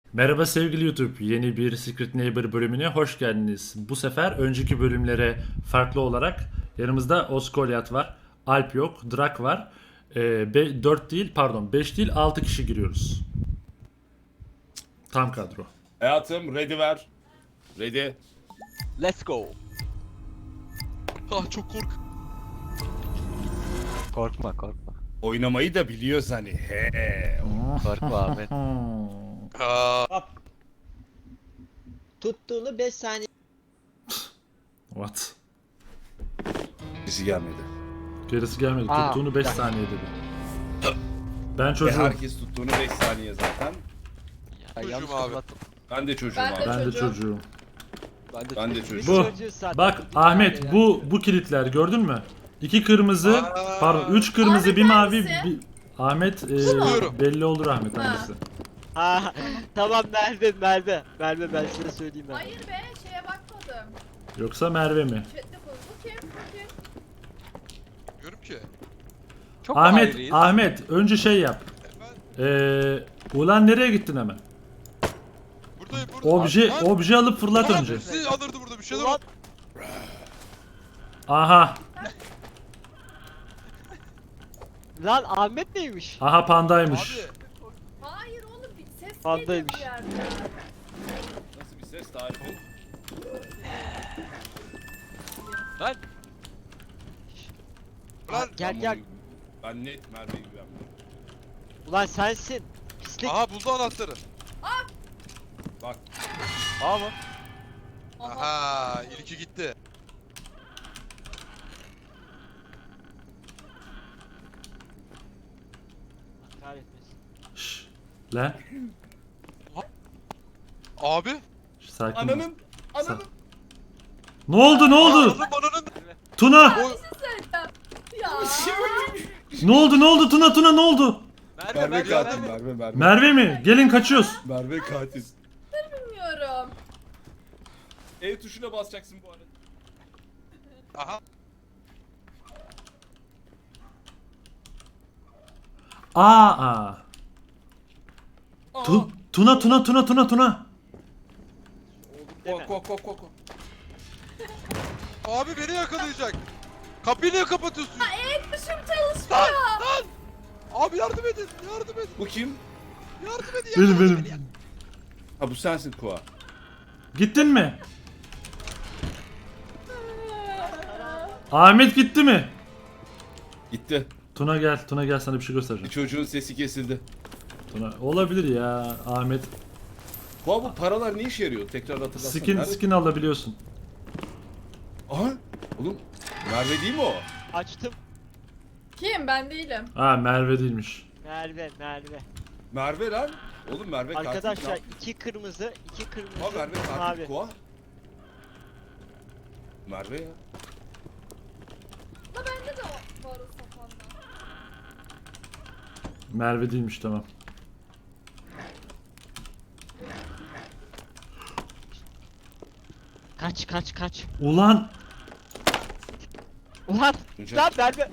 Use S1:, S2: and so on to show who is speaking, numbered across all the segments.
S1: Merhaba sevgili YouTube. Yeni bir Secret Neighbor bölümüne hoş geldiniz. Bu sefer önceki bölümlere farklı olarak yanımızda Oskolyat var. Alp yok. Drak var. 4 değil pardon 5 değil 6 kişi giriyoruz. Tam kadro.
S2: Hayatım ready ver. Ready.
S3: Let's go.
S4: Ah çok kork.
S3: Korkma korkma.
S2: Oynamayı da biliyoruz hani. He.
S3: Korkma Ahmet.
S4: Aa,
S5: Tuttuğunu 5 saniye.
S1: What?
S2: Bizi gelmedi.
S1: Gerisi gelmedi.
S3: Aa,
S1: Tuttuğunu 5
S3: gel.
S1: saniye dedi. Ben
S2: Ve
S1: çocuğum.
S2: herkes tuttuğunu 5 saniye zaten.
S3: Ya,
S4: Çocuğum
S3: yanlış
S4: abi.
S3: kapattım.
S2: Ben de çocuğum
S6: Ben de
S2: abi.
S1: Ben de
S6: çocuğum.
S1: çocuğum.
S2: Ben de
S5: Biz
S2: çocuğum.
S1: Bu.
S5: çocuğuz zaten.
S1: Bak
S5: Bir tane
S1: Ahmet
S5: yani.
S1: bu kilitler gördün mü? 2 kırmızı,
S4: Aa.
S1: pardon 3 kırmızı,
S6: Ahmet
S1: bir mavi,
S6: hangisi?
S1: bir... Ahmet
S4: Biliyorum.
S1: belli olur Ahmet
S6: Ha.
S1: hangisi.
S5: Ha, tamam Merve ben size söyleyeyim ben.
S6: Hayır be şeye bakmadım.
S1: Yoksa Merve mi?
S6: Chat'te koy. Bu kim? Bu kim?
S4: diyorum ki.
S3: Çok
S1: Ahmet,
S3: ayrıyız.
S1: Ahmet önce şey yap. Ulan nereye gittin hemen?
S4: Buradayım burada.
S1: Obje alıp fırlat
S4: Ulan
S1: önce.
S4: bizi alırdı burada bir şeyler
S5: Ulan,
S4: oldu.
S1: Aha,
S5: lan Ahmet neymiş?
S1: aha pandaymış.
S4: Abi
S6: Hayır oğlum bir ses geliyor
S5: Pandaymış.
S6: bir yerden.
S2: Nasıl bir ses tarifi?
S3: Lan
S4: lan.
S5: Gel.
S2: Ben net Merve'ye güvenmiyorum.
S5: Ulan sensin. Pislik.
S4: Aha buldu anahtarı.
S2: Bak
S3: A mı?
S6: Aha.
S4: Aha ilki gitti.
S5: Kahretmesin.
S1: Şşş, lan.
S4: Abi.
S1: Şş, sakin ol.
S2: ananın.
S1: Ne oldu ne oldu?
S4: Ananın.
S1: Tuna.
S6: Bir şey söyleyeceğim. Ya.
S1: Ne oldu Tuna ne oldu?
S2: Merve katil Merve.
S1: Merve mi? Gelin kaçıyoruz.
S2: Merve katil.
S6: Bilmiyorum.
S2: E tuşuna basacaksın bu arada.
S4: Aha.
S1: Aa. Tuna.
S5: Deme.
S2: Ko.
S4: Abi beni yakalayacak. Kapıyı niye kapatıyorsun?
S6: Etmişim çalışmıyor.
S4: Abi yardım edin. Yardım edin.
S2: Bu kim?
S4: Yardım edin.
S1: Benim.
S2: Ha bu sensin Koa.
S1: Gittin mi? Ahmet gitti mi?
S2: Gitti.
S1: Tuna gel sana bir şey göstereceğim.
S2: Bir çocuğun sesi kesildi.
S1: Tuna olabilir ya Ahmet.
S2: Koa bu paralar ne işe yarıyor? Tekrar hatırlatsana. Nerede?
S1: Skin alabiliyorsun.
S2: Aha. Oğlum Merve değil mi o?
S5: Açtım.
S6: Kim? Ben değilim.
S1: Ha Merve değilmiş.
S5: Merve.
S2: Merve lan. Oğlum Merve katil.
S5: Arkadaşlar 2 kırmızı, 2 kırmızı,
S2: Ha Merve
S5: bir
S2: katil
S5: mavi.
S2: Koa. Merve ya.
S6: Ama bende de var o safanda.
S1: Merve değilmiş tamam.
S5: Kaç.
S1: Ulan
S5: Ulan
S2: Tunca.
S5: lan Merve.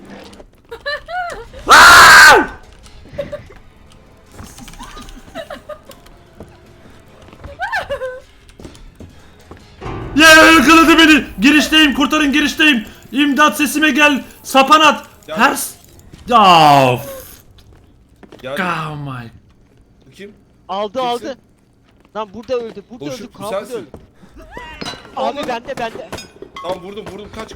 S1: ya yakaladı beni. Girişteyim kurtarın girişteyim. İmdat sesime gel. Sapan at.
S2: Ya.
S1: Her of.
S2: Ya
S1: Oh my.
S2: bu kim?
S5: Aldı.
S2: Kimsin?
S5: Lan burada öldü. Burada
S2: Boşluk,
S5: öldü.
S2: bu
S5: Kaan burada
S2: sensin.
S5: öldü. Abi bende.
S2: Tamam vurdum. Kaç.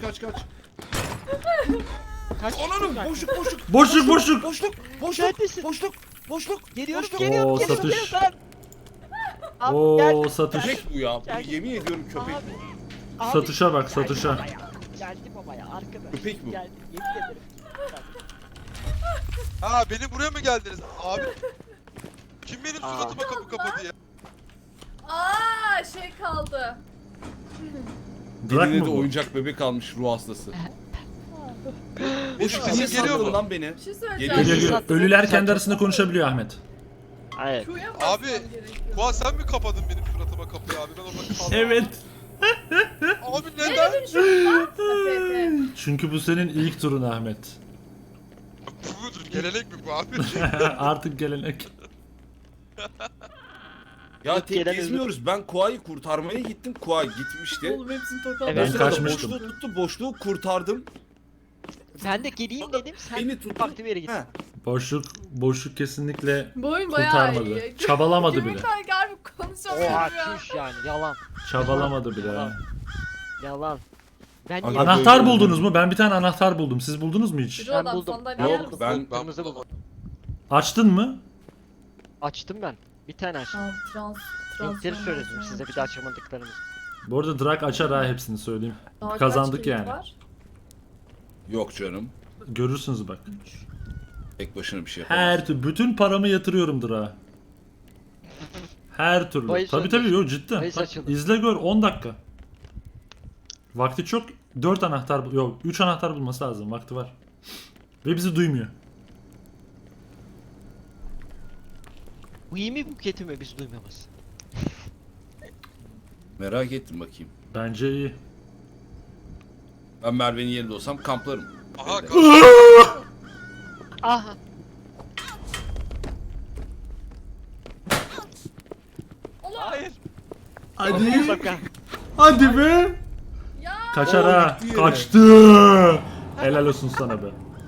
S5: Kaç.
S2: Ananım
S5: Bak.
S2: boşluk.
S5: Neredesin?
S2: Boşluk.
S5: Geliyorum.
S1: Oo, satış.
S5: Lan. Abi,
S1: Oo
S5: gel.
S1: satış.
S2: Köpek bu ya. Bu
S5: Gel.
S2: yemin ediyorum köpek.
S5: Abi. Abi.
S1: Satışa bak
S5: Geldim
S1: satışa.
S5: babaya. Geldim babaya arkadaş.
S2: Köpek bu.
S5: Geldim yemin ederim.
S4: Ha beni buraya mı geldiniz? Abi. Kim benim suratıma kapı kapadı ya?
S6: Aa şey kaldı.
S1: Drak
S2: Eline
S1: mı
S2: de
S1: bu?
S2: oyuncak bebek almış ruh hastası. Boşluk
S4: sesim
S2: niye
S4: geliyor
S2: sandın
S4: mu?
S2: lan beni?
S6: Bir şey
S2: Geliyor.
S6: söyleyeceğim.
S1: Geliyor. Ölüler kendi arasında konuşabiliyor Ahmet.
S5: Evet.
S6: Q'ya mı
S4: Abi,
S6: basmam gerekiyor?
S4: Koa sen mi kapadın benim suratıma kapıyı abi? Ben orada kaldım.
S1: Evet.
S4: Abi
S6: Neye
S4: neden?
S6: dönüşüyorsun lan? Pepe.
S1: Çünkü bu senin ilk turun Ahmet.
S4: Bu mudur? Gelenek mi bu abi?
S1: Artık gelenek.
S2: Ya
S5: İlk
S2: tek
S5: gelen
S2: gezmiyoruz. Ben Kua'yı kurtarmaya gittim. Kua gitmişti.
S7: Oğlum hepsini tokat.
S5: Evet.
S2: O sırada
S1: kaçmıştım.
S2: Boşluğu tuttu. Boşluğu kurtardım.
S5: Ben de geleyim dedim. Sen
S2: Beni tuttu.
S5: farklı bir yere git.
S2: He.
S1: Boşluk kesinlikle
S6: Bu oyun bayağı
S1: kurtarmadı.
S6: iyi.
S1: Çabalamadı bile.
S6: Gümrükler harbi konuşamıyorum
S5: Oha
S6: ya.
S5: çüş yani yalan.
S1: Çabalamadı bile.
S5: Yalan. Yalan. Ben
S2: Ana-
S5: niye
S1: Anahtar buldunuz mu? Ben bir tane anahtar buldum. Siz buldunuz mu hiç?
S6: Yürü
S5: Ben
S6: adam
S5: buldum.
S6: sandalye
S2: Yok,
S6: yer misin?
S2: ben-
S5: kırmızı buldum.
S1: Açtın mı?
S5: Açtım ben. Bir tane açtım.
S6: Trans.
S5: Söyledim size bir de açamadıklarımız.
S1: Bu arada Drak açar ha hepsini söyleyeyim.
S6: Daha
S1: Kazandık
S6: kaç kilit
S1: yani.
S6: var?
S2: Yok canım.
S1: Görürsünüz bak.
S2: Tek başına bir şey yapamaz.
S1: Her türlü bütün paramı yatırıyorum Drak'a. Her türlü.
S5: Bahis
S1: Tabii
S5: açıldı.
S1: yok cidden.
S5: Bahis
S1: Bak,
S5: açıldı.
S1: izle gör 10 dakika. Vakti çok. 4 anahtar yok 3 anahtar bulması lazım. Vakti var. Ve bizi duymuyor.
S5: Bu iyi mi buketi mi biz duymamız?
S2: Merak ettim bakayım.
S1: Bence iyi.
S2: Ben Merve'nin yerinde olsam kamplarım.
S4: Aha
S2: Evde.
S4: karşı.
S5: Aha.
S3: Hayır.
S1: Hadi.
S5: Şaka.
S1: Hadi be.
S6: Ya
S1: Kaçar
S2: Oo,
S1: ha.
S2: gitti yine.
S1: Kaçtı. Helal olsun sana be.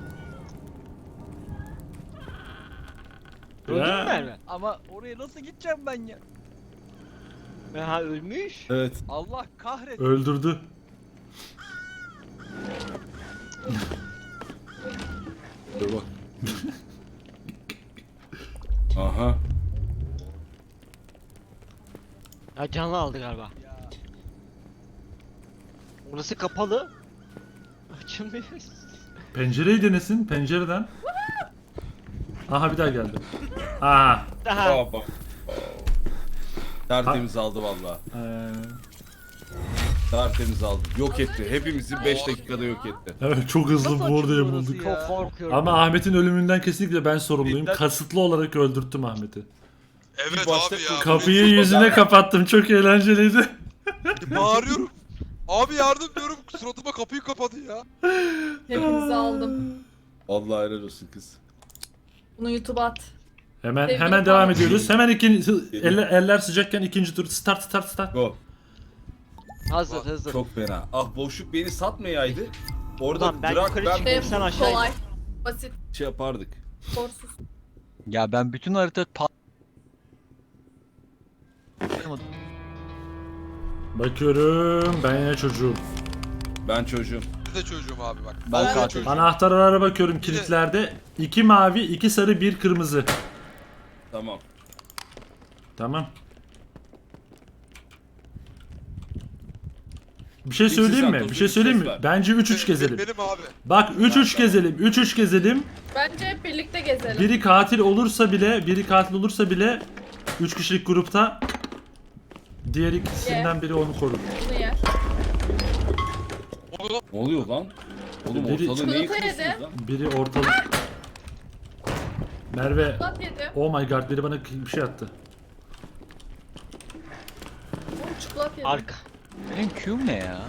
S5: Öldün mü
S1: Ya.
S5: Merve?
S3: Ama oraya nasıl gideceğim ben ya?
S5: Ha ölmüş.
S2: Evet.
S3: Allah kahret.
S1: Öldürdü.
S2: Dur bak. Aha.
S5: Ha canlı aldı galiba. Orası kapalı. Açılmıyor.
S1: Pencereyi denesin pencereden. Aha bir daha geldi. Aha.
S5: Daha.
S2: Baba. Tertemiz aldı valla. Tertemiz aldı. Yok etti. Hepimizi 5 dakikada yok etti.
S1: Evet çok hızlı
S3: Nasıl
S1: bu arada
S3: açıldı
S1: bulduk.
S3: orası ya?
S5: Çok korkuyorum.
S1: Ama Ahmet'in ölümünden kesinlikle ben sorumluyum.
S2: Cidden-
S1: Kasıtlı olarak öldürttüm Ahmet'i.
S4: Evet
S2: başta
S4: abi ya.
S1: Kapıyı yüzüne kapattım. Çok eğlenceliydi.
S4: Bağırıyorum. Abi yardım diyorum. Suratıma kapıyı kapadı ya.
S6: hepinizi aldım.
S2: Allah helal olsun kız.
S6: Bunu YouTube'a at.
S1: Hemen
S6: Sevgili
S1: hemen devam
S6: Fatih.
S1: ediyoruz. Hemen eller sıcakken ikinci tur start.
S2: Go.
S5: Hazır.
S2: Çok fena. Ah boşluk beni satmayaydı. Orada
S5: Ulan ben
S2: Drak
S5: yukarı
S2: ben
S5: çıkayım. Sen aşağı in.
S6: Kolay. Basit.
S2: şey yapardık.
S6: Sorsuz.
S3: Ya ben bütün harita
S1: Bakıyorum. Ben yine çocuğum.
S2: Ben çocuğum.
S4: Bir de çocuğum abi bak.
S3: Ben
S4: de
S3: katil.
S4: çocuğum.
S1: Anahtarlara bakıyorum kilitlerde. 2 mavi, 2 sarı, 1 kırmızı.
S2: Tamam.
S1: Tamam. Bir şey
S2: İkisi
S1: söyleyeyim mi?
S2: Santos,
S1: Bir şey
S2: bir
S1: söyleyeyim
S2: ses
S1: mi?
S2: ver.
S1: Bence 3-3 gezelim.
S4: Benim abi.
S1: Bak 3-3 gezelim. 3-3 gezelim.
S6: Bence hep birlikte gezelim.
S1: Biri katil olursa bile 3 kişilik grupta diğer ikisinden biri onu korur.
S6: Bunu yer.
S4: Onu da
S2: Ne oluyor lan? Oğlum
S1: Biri-
S2: ortalığı neyi
S6: Çikolata
S2: kırıyorsunuz
S6: yedi.
S2: lan?
S1: Biri ortalık. Merve.
S6: Plat yedim.
S1: Oh my god biri bana bir şey attı.
S6: Oğlum çikolat yedim.
S5: Arka.
S3: Benim Q'm ne ya?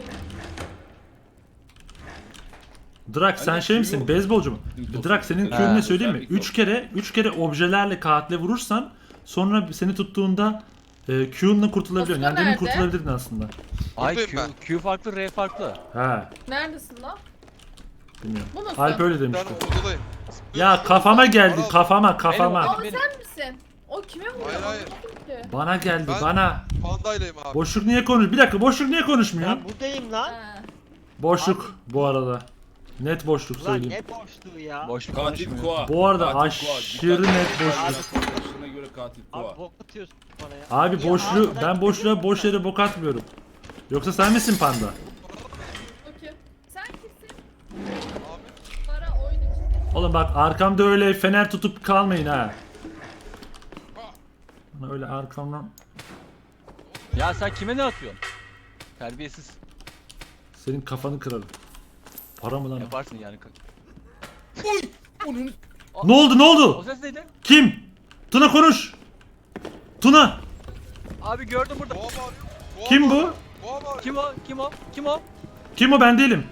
S1: Drak sen
S2: Hani
S1: şey
S2: Q
S1: misin?
S2: yok.
S1: Beyzbolcu mu?
S2: Bizim
S1: Drak senin
S2: Ha,
S1: Q'nü ne söyleyeyim mi?
S2: özellik
S1: 3 kere objelerle katile vurursan sonra seni tuttuğunda Q'nla kurtulabiliyorsun. Yani
S6: Osman
S1: demin
S6: nerede?
S1: kurtulabilirdin aslında.
S3: Ay
S4: Buradayım
S3: Q farklı, R farklı.
S1: Ha,
S6: Neredesin lan?
S1: bilmiyorum.
S6: Bu musun?
S1: Alp öyle
S4: ben
S1: demişti.
S4: odadayım.
S1: Ya kafama geldi,
S4: Al.
S1: kafama.
S6: Aa
S3: Benim-
S6: sen misin? O kime vuruyor?
S4: Hayır, hayır.
S6: Anlamadım ki.
S1: Bana geldi,
S4: Ben-
S1: bana.
S4: Pandaylayım abi.
S1: Boşluk niye konuş? Bir dakika, boşluk niye konuşmuyor?
S5: Ben buradayım lan.
S6: Ha.
S1: Boşluk bu arada. Net boşluk
S5: Ulan
S1: söyleyeyim.
S5: ne boşluğu ya.
S3: Boşluk
S2: Katil
S3: konuşmuyor.
S2: Kua.
S1: Bu arada
S2: Katil Kua.
S1: aşırı
S2: Dikkat
S1: net
S2: et.
S1: boşluk.
S2: Arkadaşına göre katil Kua.
S5: Abi bok atıyorsun bana ya.
S1: Abi
S5: Ya
S1: boşluğu,
S5: harbiden
S1: ben boşluğa
S5: kötü
S1: boş yere bok atmıyorum. Yoksa sen misin panda?
S6: Okey. Sen kimsin?
S4: Abi.
S6: Para oyun içinde.
S1: Oğlum bak arkamda öyle fener tutup kalmayın ha. Bana öyle arkamdan
S3: Ya sen kime ne atıyorsun? Terbiyesiz.
S1: senin kafanı kırarım. Para mı lan? o?
S3: Yaparsın yani.
S2: Oy! Onun
S1: Ne oldu ne
S3: O
S1: oldu?
S3: ses neydi?
S1: Kim? Tuna konuş. Tuna.
S3: Abi gördüm burada.
S4: Boğa bağırıyor. Boğa
S1: Kim bu?
S4: bağırıyor. Boğa bağırıyor.
S3: Kim o? Kim o? Kim o?
S1: Kim o ben değilim.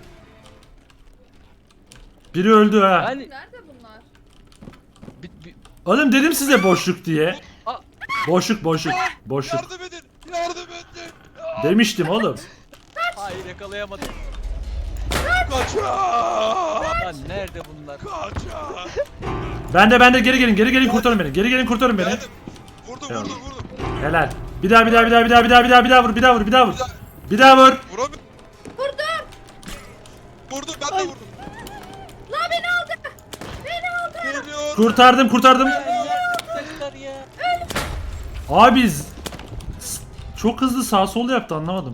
S1: Biri öldü ha.
S3: Ben...
S6: Nerede bunlar?
S1: Oğlum dedim size boşluk diye. Boşluk boşluk. Boşluk.
S4: Yardım edin. Yardım edin.
S1: Demiştim oğlum.
S3: Hayır yakalayamadım.
S4: Kaçın.
S3: Lan nerede bunlar?
S4: Kaçın.
S1: Ben de geri gelin. Geri gelin kurtarın beni. Geri gelin kurtarın beni.
S4: Geldim. Vurdum
S1: Tamam.
S4: vurdum vurdum.
S1: Helal. Bir daha vur. Bir daha vur. Bir daha vur.
S4: Vuramıyorum.
S6: Vurdum.
S4: Vurdum ben de vurdum.
S6: La beni aldı. Beni aldı.
S4: Geliyor.
S1: Kurtardım.
S3: Sesler ya.
S1: Abi çok hızlı sağ sol yaptı anlamadım.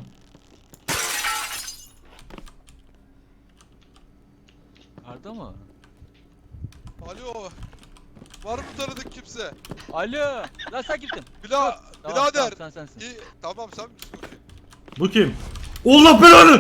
S3: Arda mı?
S4: Alo. Var mı tanıdık kimse?
S3: Alo. Lan sen kimsin?
S4: Bila,
S3: Tamam,
S4: birader.
S3: tamam, sen sensin.
S4: İyi, tamam sen misin? Okey.
S1: Bu kim? Allah belanı!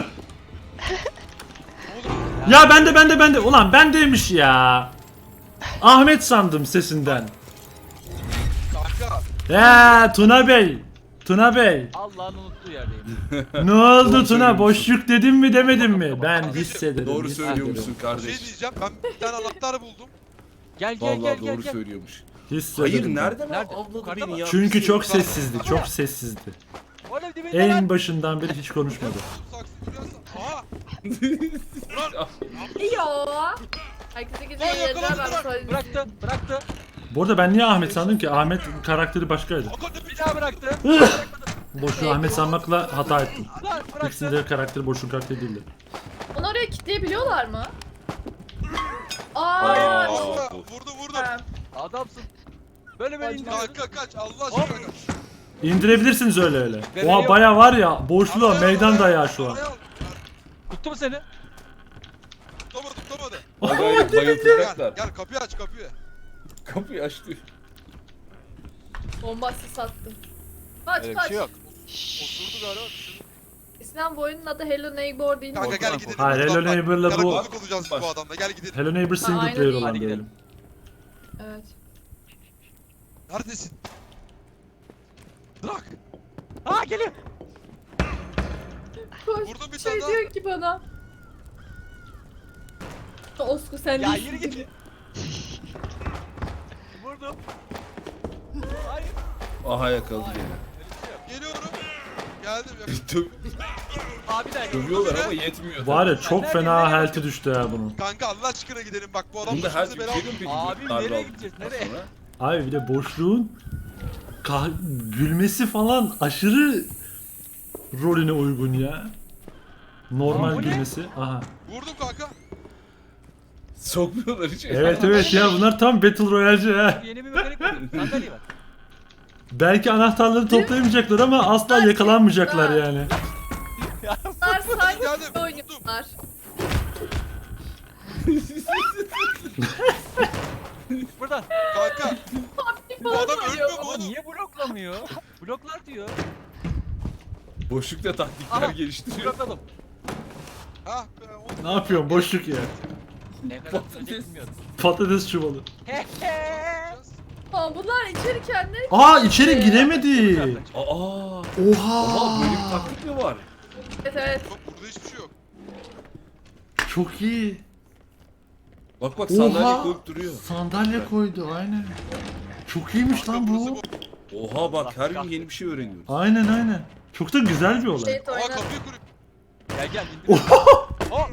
S4: Oğlum
S1: Ya bende. Ulan bendeymiş ya. Ahmet sandım sesinden.
S4: kanka.
S1: Ya Tuna Bey.
S3: Allah'ın unuttuğu yerdeyim.
S1: Ne oldu
S2: Doğru
S1: Tuna?
S2: söylüyorsun.
S1: Boşluk dedim mi demedim mi? Ben
S3: Doğru
S1: hissederim.
S2: Doğru
S1: hissederim.
S2: söylüyormuşsun
S4: Bir
S2: kardeş.
S4: şey diyeceğim ben bir tane anahtar buldum.
S3: Gel gel
S2: Vallahi
S3: gel
S2: doğru
S3: gel.
S2: söylüyormuş.
S1: Hissederim.
S2: Hayır
S1: ben.
S2: nereden
S3: Nerede?
S2: avladı
S3: Yukarıda mı?
S2: beni ya?
S1: Çünkü
S2: Bir
S1: çok
S2: şey-
S1: sessizdi. Çok sessizdi.
S3: Oğlum dibinde
S1: En
S3: lan.
S1: başından beri hiç konuşmadı.
S4: Saksı duruyorsa. Aha. Ulan.
S6: Yo. Herkese güzel
S4: Lan
S6: yerler
S4: yakaladı,
S6: ben
S4: bırak,
S6: söyleyeyim.
S3: Bıraktı.
S1: Bu arada ben niye Ahmet sandım ki? Ahmet karakteri başkaydı.
S4: Kanka ne
S3: Bir
S4: biçim?
S3: daha bıraktı.
S1: Boşu Ahmet sanmakla hata ettim.
S3: Lan bıraktı.
S1: İkisinde karakteri Boş'un karakteri değildi.
S6: Onu oraya kilitleyebiliyorlar mı?
S2: Aa.
S6: Aa.
S4: Kanka, vurdum.
S6: Ha.
S3: Adamsın. Böyle böyle indiriyorsun.
S4: Kanka kaç Allah aşkına kaç.
S1: İndirebilirsiniz öyle.
S3: Ben
S1: Oha
S3: yok.
S1: baya var ya boşluğa
S4: Araya al,
S1: meydan
S4: araya
S1: dayağı
S4: al,
S1: şu an.
S4: araya al.
S3: Tuttu mu seni?
S4: Tutamadı.
S2: Acayip
S4: Gel
S2: bayıltacaklar.
S4: gel kapıyı aç kapıyı.
S2: Kapıyı açtı.
S6: Bombası sattı. Kaç
S3: Öyle bir
S6: kaç.
S3: şey yok.
S4: Osurdu galiba. Düşürdü.
S6: İslam bu oyunun adı Hello Neighbor değil mi?
S4: Kanka gel
S2: Korkma,
S4: gidelim.
S1: Hayır,
S4: buradan
S1: Hello
S4: bak.
S1: Neighbor'la bu-
S4: Karakolluk olacağız bu adamla gel gidelim.
S1: Hello Neighbor single
S6: aynen
S1: player
S6: iyi.
S1: olan
S3: Hadi gidelim.
S1: diyelim.
S6: Evet.
S4: Neredesin? Bırak.
S3: Aa geliyor.
S6: Koş.
S4: Vurdum bir
S6: şey
S4: tane daha.
S6: diyor ki bana. Osku sen
S3: Ya
S6: değilsin
S3: yürü
S6: gibi.
S3: git. Vurdum. Hayır.
S2: Aha yakaladı gene.
S4: Geliyorum. Geldim ya.
S3: Abi de
S2: Dövüyorlar ama yetmiyor.
S1: Var ya çok
S3: Nerede,
S1: fena
S3: nereye
S1: health'i düştü ya bunun.
S4: Kanka Allah aşkına gidelim bak bu adam
S2: Bunda her
S4: başımıza
S2: bir
S4: bela.
S2: şey mi peki?
S3: Abi,
S2: Darbe
S3: nereye
S2: aldıktan
S3: gideceğiz, nereye?
S2: sonra?
S1: Abi bir de boşluğun gülmesi falan aşırı rolüne uygun ya. Normal
S3: Aa, bu ne?
S1: gülmesi. Aha.
S4: Vurdum kanka.
S2: Sokmuyorlar hiç.
S1: Evet ya bunlar tam Battle Royale'ci ha.
S3: Yeni bir mekanik var. Sandalye var.
S1: Belki anahtarları toplayamayacaklar ama asla yakalanmayacaklar yani.
S6: Bunlar sanki
S4: Geldim.
S6: oynuyorlar.
S3: Buradan.
S4: Kanka. Bu adam ölmüyor mu
S3: Ama
S4: oğlum?
S3: niye bloklamıyor? Bloklar diyor.
S2: Boşlukta taktikler
S3: Aha.
S2: geliştiriyor.
S3: Blokladım.
S4: Ha be oğlum.
S1: Ne yapıyorsun boşluk ya.
S3: Ne kadar sürecek bilmiyorum.
S1: Patates çuvalı.
S6: Aa, bunlar içeri kendileri
S1: Aa içeri giremedi.
S2: Aa.
S1: Oha.
S2: Oha böyle bir taktik mi var?
S6: Evet evet.
S4: Yok burada hiçbir şey yok.
S1: Çok iyi.
S2: Bak bak sandalye
S1: Oha.
S2: koyup duruyor.
S1: Sandalye koydu aynen. Çok iyiymiş lan
S4: Burası
S1: bu.
S2: Oha bak her gün yeni bir şey öğreniyoruz.
S1: Aynen. Çok da güzel bir olay.
S6: Şey
S4: Aa
S6: oynar.
S4: kapıyı kurup.
S3: Gel gel indir. Oh.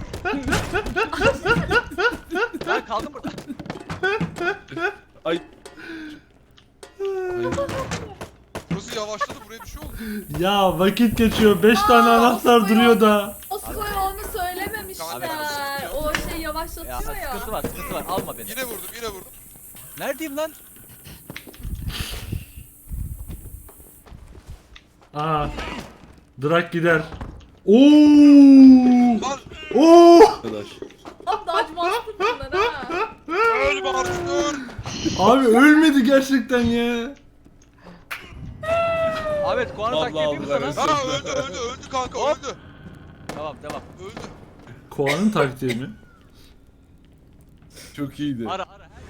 S3: Ben kaldım burada.
S2: Ay.
S4: Burası yavaşladı buraya bir şey oldu.
S1: Ya vakit geçiyor. 5 tane anahtar duruyor da.
S6: Osko'ya onu söylememişler. O şey
S3: Ya
S6: yavaşlatıyor
S3: sıkıntı
S6: ya.
S3: var sıkıntı var. Alma beni.
S4: Yine vurdum.
S3: Neredeyim lan?
S1: Aa. Drak gider. Oo!
S4: Lan
S1: Oo!
S2: Arkadaş.
S6: Abi daha acımasızlık bunlar ha.
S4: ölme artık öl.
S1: Abi ölmedi gerçekten ya.
S3: Ahmet Kuan'ı takip
S2: Vallahi
S3: yapayım mı sana?
S2: aldılar
S4: Ha öldü kanka
S3: Hop.
S4: öldü.
S3: Tamam devam.
S4: Öldü.
S1: Koa'nın taktiği mi?
S2: Çok iyiydi.
S3: Ara.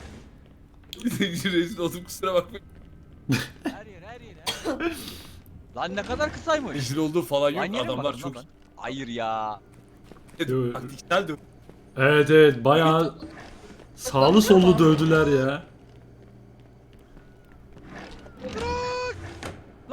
S2: Rezil oldum kusura bakma.
S3: Her yer. Lan ne kadar kısaymış.
S2: Rezil olduğu falan yok.
S3: Aynı yere mi
S2: Adamlar
S3: baktın
S2: çok
S3: lan ben? Hayır ya.
S2: taktiksel dövüyor.
S1: Evet bayağı sağlı sollu dövdüler ya.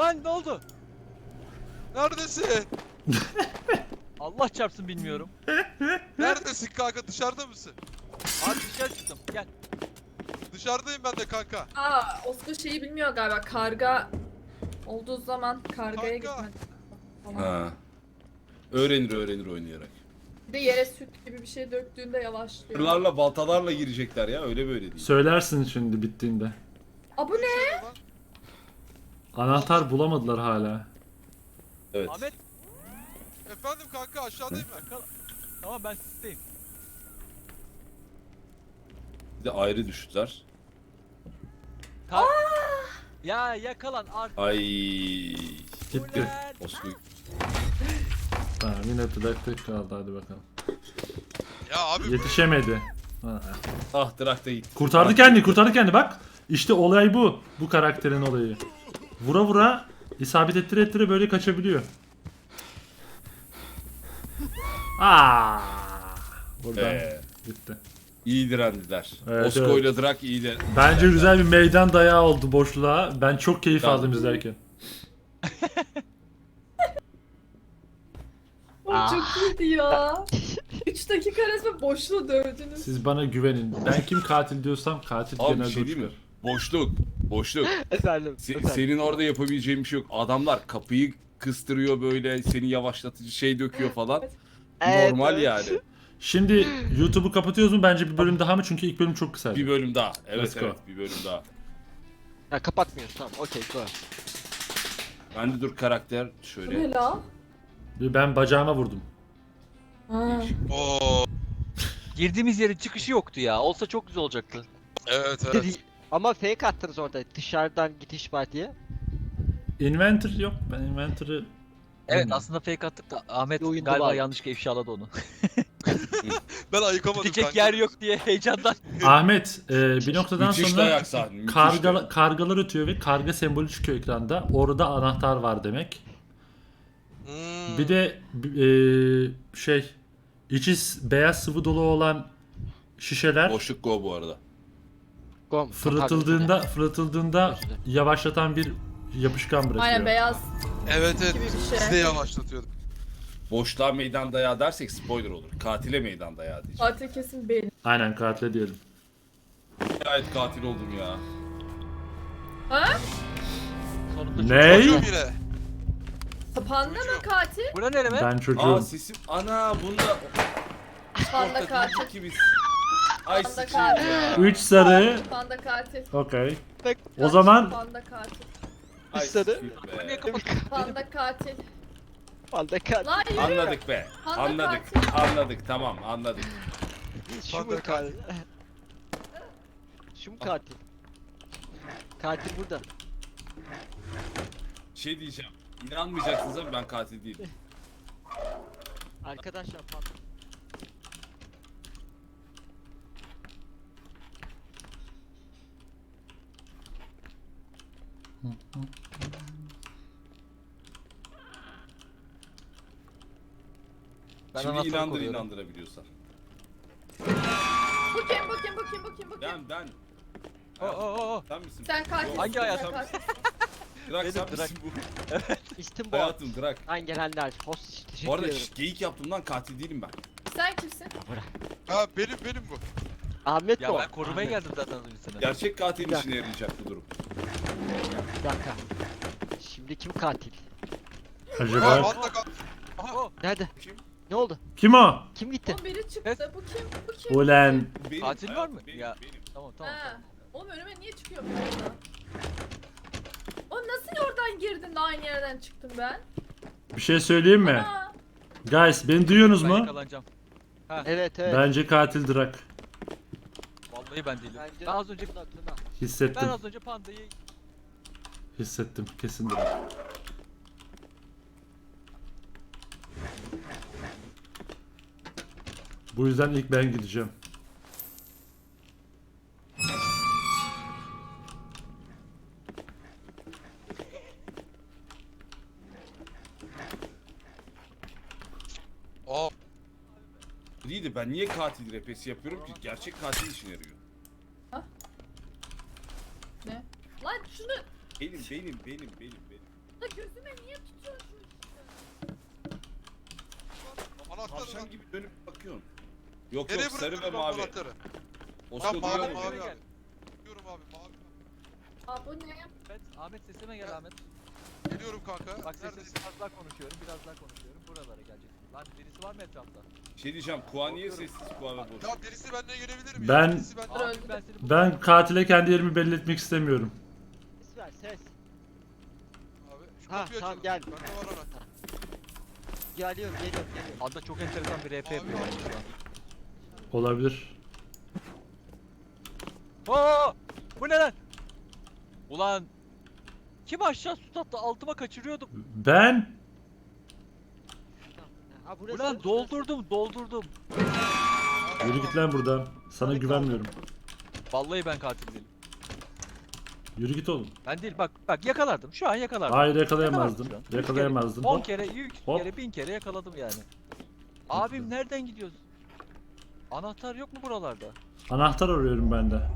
S3: Lan ne oldu?
S4: Neredesin?
S3: Allah çarpsın bilmiyorum.
S4: Neredesin kanka? Dışarıda mısın?
S3: Abi dışarı çıktım. Gel.
S4: Dışarıdayım ben de kanka.
S6: Aa, Oscar şeyi bilmiyor galiba. Karga olduğu zaman kargaya
S4: Kanka.
S6: gitmek. falan.
S2: Ha. Öğrenir oynayarak.
S6: Bir de yere süt gibi bir şey döktüğünde yavaşlıyor.
S2: Kırlarla baltalarla girecekler ya öyle böyle değil.
S1: Söylersin şimdi bittiğinde.
S6: Aa, bu ne?
S4: Şey lan.
S1: Anahtar bulamadılar hala.
S2: Evet.
S3: Ahmet.
S4: Efendim kanka aşağıdayım ben.
S3: Tamam ben sizdeyim.
S2: Bir de ayrı düştüler.
S3: Ya yakalan artık.
S2: Ay.
S1: Gitti.
S2: Osku.
S1: Tamam yine tık kaldı hadi bakalım.
S4: Ya abi
S1: Yetişemedi. Ha.
S2: Ah Drak da gitti.
S1: Kurtardı kendi bak. İşte olay bu. Bu karakterin olayı. Vura vura isabet ettire böyle kaçabiliyor. Buradan gitti.
S2: İyi direndiler.
S1: Evet,
S2: Osko ile Drak iyi de.
S1: Bence güzel bir meydan dayağı oldu boşluğa. Ben çok keyif
S2: Tamam.
S1: aldım izlerken.
S6: O çok iyiydi ya. 3 dakika resmen boşluğu dövdünüz.
S1: Siz bana güvenin. Ben kim katil diyorsam katil
S2: Abi bir
S1: genelde
S2: şey
S1: o
S2: değil mi?
S1: çıkar.
S2: Boşluk.
S5: Efendim.
S2: Senin orada yapabileceğin bir şey yok. Adamlar kapıyı kıstırıyor böyle seni yavaşlatıcı şey döküyor falan.
S5: Evet,
S2: Normal
S5: evet.
S2: yani.
S1: Şimdi YouTube'u kapatıyoruz mu? Bence bir bölüm daha mı? Çünkü ilk bölüm çok kısaydı.
S2: Bir bölüm daha.
S1: Let's
S2: Evet
S1: go.
S2: evet bir bölüm daha.
S5: Ha, kapatmıyoruz tamam okey go.
S2: Ben de dur karakter
S6: Bu
S2: şöyle.
S6: ne la?
S1: Ben bacağıma vurdum.
S6: Ha.
S4: Oo.
S3: Girdiğimiz yerin çıkışı yoktu ya. Olsa çok güzel olacaktı.
S4: Evet evet.
S5: Ama fake attınız orada dışarıdan gidiş var diye.
S1: Inventor yok. Ben Inventor'ı...
S3: Evet
S1: Bilmiyorum.
S3: aslında fake attık da Ahmet
S5: Bir oyunda
S3: galiba
S5: var.
S3: yanlışlıkla ifşaladı onu.
S4: Ben ayıkamadım
S3: Gidecek
S4: kanka.
S3: yer yok diye heyecandan.
S1: Ahmet bir noktadan
S2: Müthiş
S1: sonra
S2: dayak sahne. Müthiş
S1: kargalar ötüyor ve karga sembolü çıkıyor ekranda. Orada anahtar var demek.
S4: Hmm.
S1: Bir de içi beyaz sıvı dolu olan şişeler
S2: Boşluk go bu arada.
S5: Go.
S1: fırlatıldığında
S5: Özür dilerim.
S1: yavaşlatan bir yapışkan bırakıyor.
S6: Aynen beyaz
S4: Evet evet.
S6: gibi bir şey.
S4: Biz de yavaşlatıyorduk.
S2: Boşluğa meydan dayağı dersek spoiler olur. Katile meydan dayağı diyeceğim.
S6: Katil kesin benim.
S1: Aynen katile diyelim.
S2: Gayet katil oldum ya.
S6: Ha?
S3: Sonunda
S1: Ne?
S4: Çocuğum yine.
S6: Panda mı katil?
S3: Bura nere be?
S1: Ben çocuğum.
S2: Aa sesim ana bunda
S6: Panda katil.
S2: ki biz. Ay
S6: Panda
S2: sıçayım
S6: katil.
S2: ya.
S1: 3 sarı.
S6: Panda katil.
S1: Okey.
S5: Bak,
S1: O zaman
S6: Panda katil.
S2: Ay
S5: Sarı.
S2: sıçayım
S3: Niye
S2: be.
S3: kapat?
S6: Panda katil.
S5: Panda katil.
S6: Lan yürü.
S2: Anladık be.
S6: Panda
S2: Anladık.
S6: katil.
S2: Anladık tamam anladık.
S5: Şu mu
S4: Panda
S5: katil? Şu mu katil? Katil burada.
S2: Şey diyeceğim. İnanmayacaksınız ama ben katil değilim.
S5: Arkadaşlar panda.
S3: Ben
S2: Şimdi
S3: anahtarı
S2: inandır
S3: koruyorum.
S2: inandırabiliyorsan.
S6: Bu kim bu kim bu kim bu kim bu kim?
S2: Ben.
S3: Oo.
S2: Sen misin?
S6: Sen katilsin.
S3: Hangi
S6: sen
S3: hayatım?
S6: katilsin.
S2: Drak
S3: Benim
S2: sen
S3: Drak.
S2: misin bu?
S5: İstim bu.
S2: Hayatım Drak.
S5: Lan gelenler. Host teşekkür
S2: Bu arada
S5: ederim.
S2: geyik yaptığımdan katil değilim ben.
S6: Sen kimsin?
S4: Ha benim bu.
S5: Ahmet
S3: Ya
S5: bu.
S3: ben korumaya
S5: Ahmet.
S3: geldim zaten az önce sana.
S2: Gerçek katilin işine yarayacak bu durum.
S5: Bir dakika. Şimdi kim katil?
S4: Ha
S1: Acaba
S4: panda katil.
S5: Nerede?
S2: Kim?
S5: Ne oldu?
S1: kim o?
S5: Kim gitti?
S6: O biri çıktı.
S3: Evet.
S6: Bu kim? Bu kim?
S1: Ulan
S2: Benim,
S3: Katil var
S2: hayatım,
S3: mı?
S2: Benim,
S3: Ya.
S2: benim.
S3: Tamam.
S6: Ha. Oğlum önüme niye çıkıyor bu arada? Oğlum nasıl oradan girdin de aynı yerden çıktım ben?
S1: bir şey söyleyeyim mi?
S6: Aa.
S1: Guys beni duyuyorsunuz
S3: Ben
S1: mu?
S3: yakalanacağım.
S5: Evet evet.
S1: Bence katil Drak.
S3: Vallahi ben değilim.
S5: Bence
S3: Ben az önce
S5: Tuna.
S1: Hissettim.
S3: pandayı
S1: Hissettim. Kesin Drak. Bu yüzden ilk ben gideceğim.
S4: Aa
S2: İyi de ben niye katil repesi yapıyorum ki? Gerçek katil işine yarıyor.
S6: Ne? Lan şunu
S2: Benim.
S6: Da gözüme niye tutuyorsun?
S4: Anahtarı lan.
S2: Tavşan gibi dönüp bakıyorsun. Yok
S4: Nereye
S2: yok sarı ve
S4: bırakıyorsun
S2: mavi.
S4: anahtarı?
S2: Osko
S4: Tamam mavi
S2: duyuyor
S4: mavi
S2: musun?
S4: abi. Diyorum abi mavi.
S6: Aa bu ne?
S3: Ahmet sesime gel Ahmet.
S4: Geliyorum kanka.
S3: Bak sessiz
S4: Neredesin?
S3: biraz daha konuşuyorum, biraz daha konuşuyorum. Buralara geleceksin. Lan birisi var mı etrafta?
S2: Bir şey diyeceğim. Kuğa niye sessiz kuğa ve boş?
S4: Ya birisi benden gelebilir mi?
S1: Ben-
S4: Ya? Birisi benden...
S3: Abi
S6: öldü.
S3: ben seni
S1: Ben katile kendi yerimi belli etmek istemiyorum.
S5: Ses ver ses.
S4: Abi şu
S5: Ha,
S4: kapıyı
S5: tamam,
S4: açalım.
S5: gel.
S4: Bende var anahtar.
S5: Geliyorum.
S3: Anda çok enteresan bir RP yapıyor
S4: Abi.
S3: şu an.
S1: Olabilir.
S3: Oo! Bu ne lan? Ulan kim aşağı su tattı altıma kaçırıyordum.
S1: Ben
S5: Ha burası.
S3: Ulan doldurdum.
S1: yürü git lan buradan. Sana güvenmiyorum.
S3: Vallahi ben katil değilim.
S1: Yürü git oğlum.
S3: Ben değil bak yakalardım. Şu an yakalardım.
S1: Hayır yakalayamazdım.
S3: Yakalardım şu an.
S1: Yakalayamazdım.
S3: 10
S1: Hop.
S3: kere, 100
S1: Hop.
S3: kere, 1000 kere yakaladım yani. Abim nereden gidiyoruz? Anahtar yok mu buralarda?
S1: Anahtar arıyorum ben de.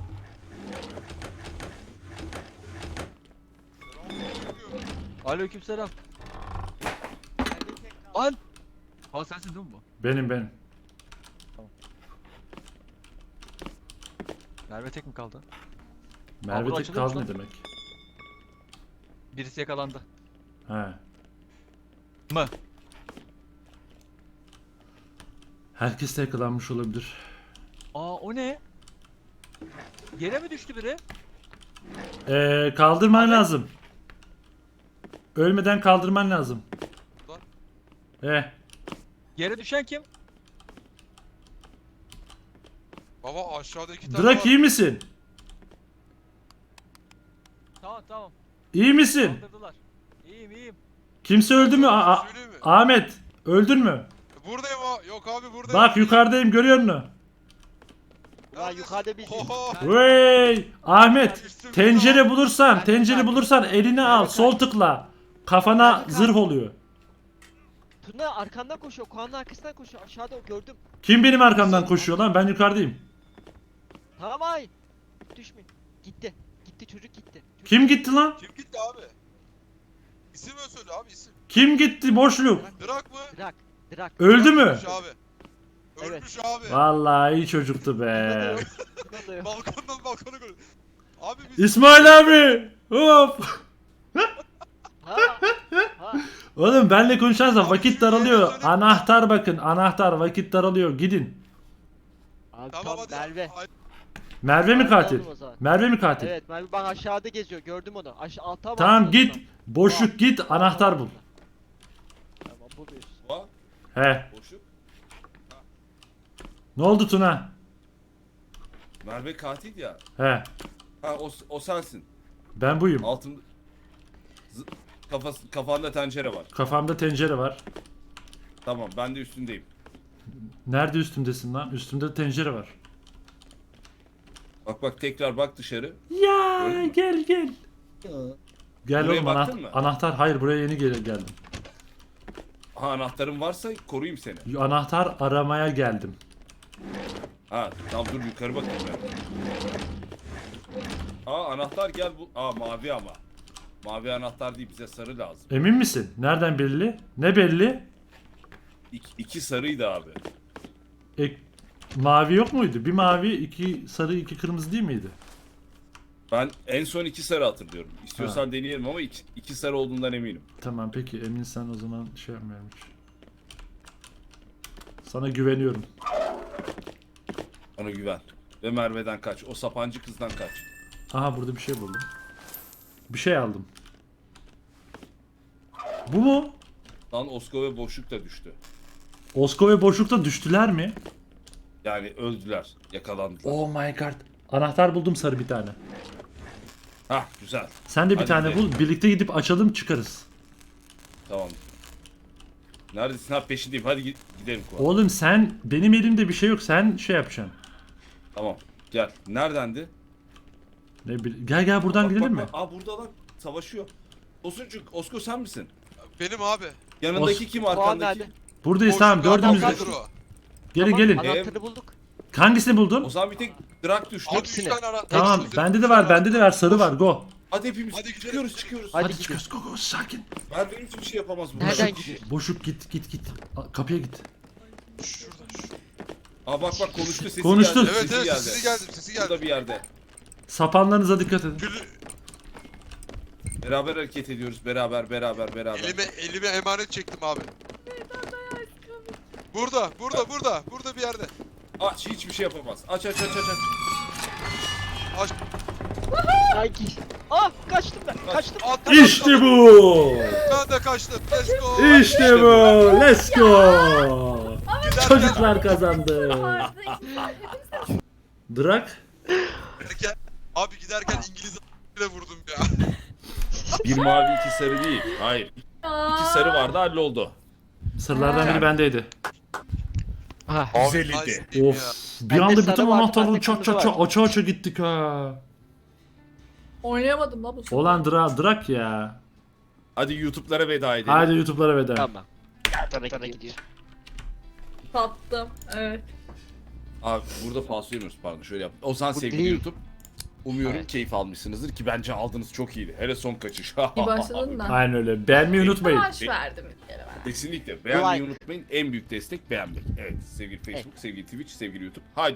S3: Aleykümselam.
S5: Merve tek kaldı.
S3: An! Ha sensin değil mi bu?
S1: Benim.
S3: Merve tek mi kaldı?
S1: Merve
S3: burada
S1: tek
S3: açılıyormuş
S1: kaldı ne
S3: lan.
S1: demek?
S3: Birisi yakalandı.
S1: He.
S3: Mı?
S1: Herkes de yakalanmış olabilir.
S3: Aa o ne? Yere mi düştü biri?
S1: Kaldırman lazım. Ölmeden kaldırman lazım.
S4: Lan.
S3: Yere düşen kim?
S4: Baba aşağıda iki tane
S1: Drak
S4: var.
S1: iyi misin?
S3: Tamam.
S1: İyi misin?
S3: Kaldırdılar. İyiyim.
S1: Kimse öldü mü?
S4: Söyleyeyim mi?
S1: Ahmet, öldün mü?
S4: Buradayım ha. Yok abi buradayım.
S1: Bak yukarıdayım, görüyor musun?
S4: Neredesin?
S5: Ulan yukarıda bir
S4: Oho.
S1: Hey, Ahmet,
S4: Üstümde
S1: tencere
S4: var.
S1: bulursan,
S5: Ben
S1: tencere
S5: de
S1: bulursan eline al,
S5: Ben de
S1: sol tıkla. Kafana
S5: Ben de
S1: zırh oluyor.
S5: Tuna arkandan koşuyor. Kuanın arkasından koşuyor. Aşağıda gördüm.
S1: Kim benim arkamdan koşuyor lan? Ben yukarıdayım.
S5: Tamam ay. Düşme. Gitti. Gitti çocuk gitti. Çocuk
S1: Kim gitti lan?
S4: Kim gitti abi? İsim söyle abi isim.
S1: Kim gitti boşluk?
S4: Drak mı?
S5: Drak.
S1: Öldü mü?
S4: Ölmüş abi.
S5: Evet.
S4: Ölmüş abi.
S1: Vallahi iyi çocuktu
S5: Tuna da
S1: be.
S5: yok. Tuna da yok.
S4: Balkondan balkona koy. Abi biz...
S1: İsmail abi. Hop.
S5: Ha. Ha.
S1: Oğlum benle konuşarsan
S4: Abi
S1: vakit
S4: şu
S1: daralıyor.
S4: yere söyle.
S1: Anahtar bakın, anahtar vakit daralıyor. Gidin.
S5: Abi
S4: Tamam
S5: tamam
S4: hadi.
S5: Merve.
S4: Ay,
S1: Merve mi
S5: Merve
S1: katil?
S5: oğlum o zaman.
S1: Merve mi katil?
S5: Evet Merve bak aşağıda geziyor. Gördüm onu. Alta bak.
S1: Tamam git. Boşluk git, anahtar bul.
S5: Tamam buluyorsun.
S2: Kuğa,
S1: He.
S2: boşluk.
S1: Ne oldu Tuna?
S2: Merve katil ya.
S1: He.
S2: Ha o sensin.
S1: Ben buyum.
S2: Altında kafanda tencere var.
S1: Kafamda tencere var.
S2: Tamam ben de üstündeyim.
S1: Nerede üstümdesin lan? Üstümde tencere var.
S2: Bak tekrar bak dışarı.
S1: Ya
S2: Gördün mü?
S1: gel. Gel
S2: Buraya
S1: oğlum
S2: baktın mı?
S1: anahtar. Hayır buraya yeni geldim.
S2: Ha anahtarın varsa koruyayım seni.
S1: Anahtar aramaya geldim.
S2: Ha tamam dur yukarı bakayım ben. Aa anahtar gel bu. Aa mavi ama. Mavi anahtar değil bize sarı lazım.
S1: Emin misin? Nereden belli? Ne belli?
S2: İki sarıydı abi.
S1: Mavi yok muydu? Bir mavi, iki sarı, iki kırmızı değil miydi?
S2: Ben en son iki sarı hatırlıyorum. İstiyorsan deneyelim ama iki sarı olduğundan eminim.
S1: Tamam peki eminsen o zaman şey yapmıyorum hiç. Sana güveniyorum.
S2: Ona güven. Ve Merve'den kaç. O sapancı kızdan kaç.
S1: Aha burada bir şey buldum. Bir şey aldım. Bu mu?
S2: Lan Osko ve boşluk da düştü.
S1: Osko ve boşlukta düştüler mi?
S2: Yani öldüler. Yakalandılar.
S1: Oh my god. Anahtar buldum sarı bir tane.
S2: Hah güzel.
S1: Sen de bir
S2: Hadi
S1: tane
S2: gidelim.
S1: bul. Birlikte gidip açalım çıkarız.
S2: Tamam. Neredesin? Ha peşindeyim. Hadi gidelim Kuva.
S1: Oğlum sen benim elimde bir şey yok. Sen şey yapacaksın.
S2: Tamam. Gel. Neredendi?
S1: Gel buradan
S2: Bak,
S1: gidelim mi?
S2: bak. Aa burada lan. Savaşıyor. Tosuncuk. Osko sen misin?
S4: benim abi.
S2: Yanındaki kim
S5: Kuan
S2: arkandaki?
S5: nerede?
S1: Buradayız tamam
S4: Boşluk
S1: dördümüz de.
S4: adamlardır o.
S1: Gelin
S5: Tamam,
S1: gelin.
S5: Anahtarı bulduk.
S1: Hangisini buldun?
S2: O zaman bir tek Drak düştü.
S4: Abi
S5: Hepsini.
S4: 3 tane anahtar.
S1: Tamam
S4: Hepsini.
S1: bende de var sarı var go.
S2: Hadi hepimiz
S4: Hadi gidelim.
S2: çıkıyoruz.
S5: Hadi
S1: Hadi
S5: gidelim.
S1: çıkıyoruz. Go go sakin.
S2: Merve hiçbir şey yapamaz bu.
S5: Nereden
S2: Boşluk.
S5: gidiyor?
S1: Boşluk git. Kapıya git.
S4: Şuradan şu.
S2: Aa bak konuştu sesi
S1: Konuştu.
S2: geldi.
S4: Evet evet sesi geldi sesi
S2: Burada
S4: geldi.
S2: bir yerde.
S1: Sapanlarınıza dikkat edin.
S4: Gülü
S2: Beraber hareket ediyoruz. Beraber.
S4: elime emanet çektim abi. Burada bir yerde.
S2: Aç hiçbir şey yapamaz. Aç.
S4: Aç.
S5: Sanki. Ah kaçtım ben. Kaçtım.
S4: At,
S1: İşte bu.
S4: Ben de kaçtım. Let's go.
S1: İşte bu. Let's go.
S4: Giderken,
S1: Çocuklar kazandı. Drak.
S4: abi giderken İngiliz ile vurdum ya.
S2: Bir mavi iki sarı değil. Hayır. İki sarı vardı halloldu.
S1: Sırlardan biri bendeydi.
S5: Ah.
S2: Güzeldi.
S4: Nice ya.
S1: Of. Bir
S5: Bende
S1: anda
S5: sarı
S1: bütün
S5: vardı,
S1: anahtarları
S5: bende
S1: çat
S5: kırmızı
S1: çat çat aça gittik ha.
S6: Oynayamadım la bu sefer.
S1: Olan Drak ya.
S2: Hadi YouTube'lara veda edelim.
S1: Hadi YouTube'lara veda.
S5: Tamam. Sana gidiyor.
S6: Tattım. Evet.
S2: Abi burada falso yemiyoruz pardon şöyle yap. O zaman
S5: Bu
S2: sevgili
S5: değil.
S2: YouTube. Umuyorum
S5: Evet.
S2: keyif almışsınızdır ki bence aldınız çok iyiydi. Hele son kaçış.
S6: İyi başladın da.
S1: Aynen öyle. Beğenmeyi unutmayın.
S6: Savaş verdim bir kere ben.
S2: Kesinlikle. Beğenmeyi
S5: Like.
S2: unutmayın. En büyük destek beğenmek. Evet sevgili Facebook, sevgili Twitch, sevgili YouTube. Haydi.